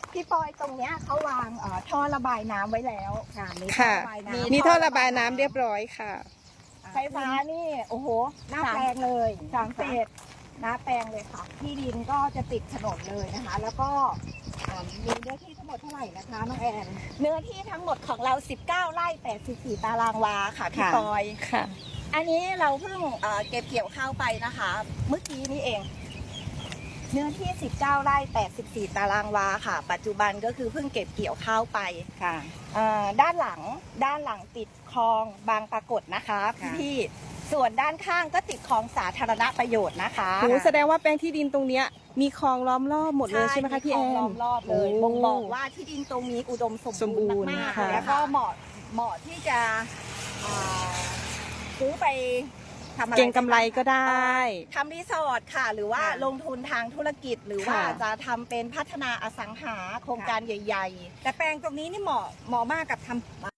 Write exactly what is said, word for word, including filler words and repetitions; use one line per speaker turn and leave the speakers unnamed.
พี่ปอยตรงเนี้ยเขาวางเอ่อท่อระบายน้ำไว้แล้วค่ะมีท่อ
ค่ะ
ระบายน้ำ
มีท่อระบายน้ำเรียบร้อยค่ะ
ไฟฟ้านี่โอ้โห
หน้าแปลงเลย
สามเศษหน้าแปลงเลยค่ะ ที่ดินก็จะติดถนนเลยนะคะ แล้วก็อ่ามีเนื้อที่ทั้งหมดเท่าไหร่นะคะน้องแอนเนื้อที่ทั้งหมดของเราสิบเก้าไร่แปดสิบสี่ตารางวาค่ะพี่ปอย
ค่ะ
อันนี้เราเพิ่งเอ่อเก็บเกี่ยวข้าวไปนะคะ เมื่อกี้นี้เอง เนื้อที่สิบเก้าไร่แปดสิบสี่ตารางวาค่ะ ปัจจุบันก็คือเพิ่งเก็บเกี่ยวข้าวไป
ค่ะ
เอ่อด้านหลังด้านหลังติดคลองบางปรากฏนะคะ
ค่ะ
พี่ๆส่วนด้านข้างก็ติดคลองสาธารณประโยชน์นะคะ
โหแสดงว่าแปลงที่ดินตรงเนี้ยมีคลองล้อมรอบหมดเลยใช่ไหมคะพี่แอ
มีคลงล้อม
น
รอบเลย
โอ้
บ่งบอกว่าที่ดินตรงนี้อุดมสม
สมบู
บู
ร
ร
ณ์
ณ์มากๆ
ค่ะ
แล้วก็เหมาะเหมาะที่จะอ่าซื้อไปทำอะไร
เก่งกำไรก็ได้
ทำรีสอร์ทค่ะ หรือว่า
ค่ะ
ลงทุนทางธุรกิจหรือว่า
ค่ะ
จะทำเป็นพัฒนาอสังหาโครงการใหญ่ ๆ
แต่แปลงตรงนี้นี่เหมาะเหมาะมากกับทำ